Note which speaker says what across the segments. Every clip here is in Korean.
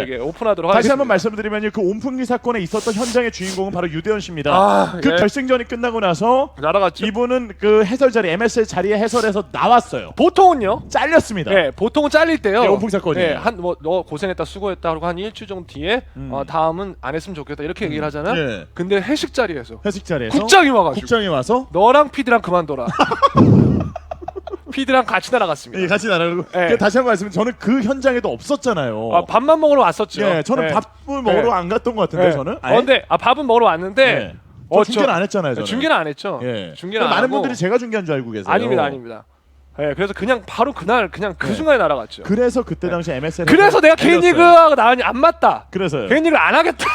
Speaker 1: 여러분들에게 오픈하도록
Speaker 2: 다시
Speaker 1: 하겠습니다.
Speaker 2: 한번 말씀드리면 그 온풍기 사건에 있었던 현장의 주인공은 바로 유대현 씨입니다.
Speaker 1: 아,
Speaker 2: 그
Speaker 1: 예.
Speaker 2: 결승전이 끝나고 나서
Speaker 1: 날아갔죠.
Speaker 2: 이분은 그 해설 자리 MSL 자리에 해설에서 나왔어요.
Speaker 1: 보통은요.
Speaker 2: 잘렸습니다.
Speaker 1: 네, 보통은 잘릴 때요.
Speaker 2: 네, 온풍 사건이에요.
Speaker 1: 네, 한뭐 너 고생했다, 수고했다 하고 한 일주 정도 뒤에 다음은 안 했으면 좋겠다 이렇게 얘기를 하잖아.
Speaker 2: 예.
Speaker 1: 근데 회식 자리에서
Speaker 2: 회식 자리에서
Speaker 1: 국장이 와가지고
Speaker 2: 국장이 와서
Speaker 1: 너랑 피디랑 그만둬라. 피디랑 같이 날아갔습니다.
Speaker 2: 예, 같이 나가고
Speaker 1: 네.
Speaker 2: 다시 한번 말씀드리면 저는 그 현장에도 없었잖아요.
Speaker 1: 아, 밥만 먹으러 왔었죠.
Speaker 2: 예, 저는
Speaker 1: 네.
Speaker 2: 밥을 먹으러
Speaker 1: 네.
Speaker 2: 안 갔던 것 같은데
Speaker 1: 네.
Speaker 2: 저는.
Speaker 1: 근데 밥은 먹으러 왔는데
Speaker 2: 네. 저 중계는 안 했잖아요. 저는.
Speaker 1: 중계는 안 했죠.
Speaker 2: 예.
Speaker 1: 중계는 안
Speaker 2: 많은
Speaker 1: 하고.
Speaker 2: 분들이 제가 중계한 줄 알고 계세요.
Speaker 1: 아닙니다, 아닙니다. 예, 그래서 그냥 바로 그날 그냥 그
Speaker 2: 네.
Speaker 1: 순간에 날아갔죠.
Speaker 2: 그래서 그때 당시 MSN
Speaker 1: 그래서 내가 개인 리그가 나가니 안 맞다.
Speaker 2: 그래서요.
Speaker 1: 개인 리그를 안 하겠다.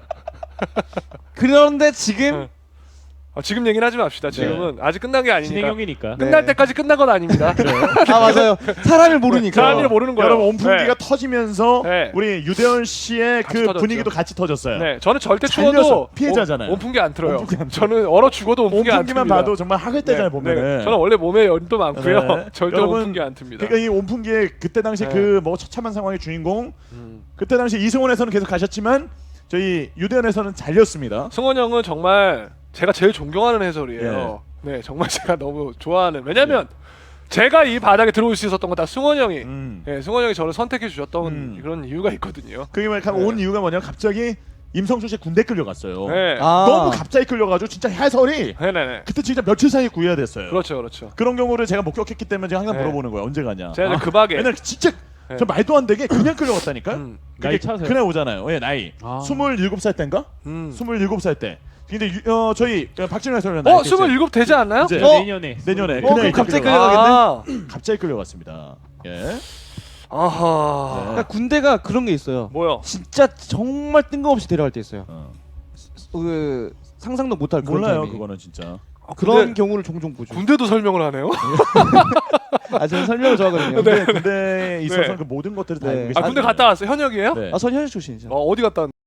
Speaker 3: 그런데 지금
Speaker 1: 지금 얘기는 하지 맙시다. 지금은 아직 끝난 게 아니니까.
Speaker 4: 진행형이니까.
Speaker 1: 끝날
Speaker 3: 네.
Speaker 1: 때까지 끝난 건 아닙니다.
Speaker 3: 아 맞아요. 사람을 모르니까.
Speaker 1: 사람이 모르는 거예요.
Speaker 2: 여러분 온풍기가
Speaker 1: 네.
Speaker 2: 터지면서
Speaker 1: 네.
Speaker 2: 우리 유대현 씨의
Speaker 1: 같이
Speaker 2: 그
Speaker 1: 터졌죠.
Speaker 2: 분위기도 같이 터졌어요.
Speaker 1: 네, 저는 절대
Speaker 2: 잘려서
Speaker 1: 추워도
Speaker 2: 피해자잖아요.
Speaker 1: 온풍기 안 틀어요.
Speaker 2: 온풍기 안 틀어요.
Speaker 1: 저는 얼어 죽어도 온풍기 안
Speaker 2: 온풍기만
Speaker 1: 틉니다.
Speaker 2: 봐도 정말 학을 때잖아요
Speaker 1: 네,
Speaker 2: 보면은.
Speaker 1: 네. 저는 원래 몸에 열도 많고요.
Speaker 2: 네.
Speaker 1: 절대
Speaker 2: 여러분,
Speaker 1: 온풍기 안 틉니다.
Speaker 2: 그러니까 이 온풍기의 그때 당시
Speaker 1: 네.
Speaker 2: 그 뭐 처참한 상황의 주인공 그때 당시 이승원에서는 계속 가셨지만 저희 유대현에서는 잘렸습니다.
Speaker 1: 승원 형은 정말 제가 제일 존경하는 해설이에요. 네, 정말 제가 너무 좋아하는. 왜냐면 제가 이 바닥에 들어올 수 있었던 건 다 승원 형이. 네, 승원 형이 저를 선택해 주셨던 그런 이유가 있거든요.
Speaker 2: 그게 온 이유가 뭐냐면 갑자기 임성수 씨 군대 끌려갔어요.
Speaker 1: 네,
Speaker 2: 너무 갑자기 끌려가지고 진짜 해설이
Speaker 1: 네네네.
Speaker 2: 그때 진짜 며칠 사이에 구해야 됐어요.
Speaker 1: 그렇죠, 그렇죠.
Speaker 2: 그런 경우를 제가 목격했기 때문에 제가 항상
Speaker 1: 네.
Speaker 2: 물어보는 거예요. 언제 가냐.
Speaker 1: 제가 그 박에
Speaker 2: 왜냐면 진짜
Speaker 1: 네.
Speaker 2: 저 말도 안 되게 그냥 끌려갔다니까. 그게
Speaker 4: 나이 차세요?
Speaker 2: 그날 오잖아요. 예, 나이.
Speaker 4: 아.
Speaker 2: 27살 때인가? 27살 때. 근데 저희 박진우 해설위원
Speaker 1: 27 되지 않나요?
Speaker 2: 이제
Speaker 4: 내년에.
Speaker 2: 내년에
Speaker 3: 그럼
Speaker 2: 그날
Speaker 3: 갑자기
Speaker 1: 끌려가겠네?
Speaker 2: 갑자기 끌려갔습니다. 예.
Speaker 1: 아하.
Speaker 3: 그러니까 군대가 그런 게 있어요.
Speaker 1: 뭐요?
Speaker 3: 진짜 정말 뜬금없이 데려갈 때 있어요.
Speaker 2: 어.
Speaker 3: 그 상상도 못할 그런
Speaker 2: 몰라요,
Speaker 3: 타이밍.
Speaker 2: 그거는 진짜.
Speaker 3: 그런
Speaker 1: 군대-
Speaker 3: 경우를 종종 보죠.
Speaker 1: 군대도 설명을 하네요.
Speaker 3: 아 저는 설명을 좋아하거든요.
Speaker 2: 근데 군대에 있어서
Speaker 1: 네.
Speaker 2: 그 모든 것들을 다
Speaker 3: 네.
Speaker 2: 알고
Speaker 1: 아,
Speaker 2: 계시죠.
Speaker 1: 군대 갔다 왔어요. 현역이에요?
Speaker 2: 네.
Speaker 3: 전 현역 출신이죠.
Speaker 1: 어디 갔다 왔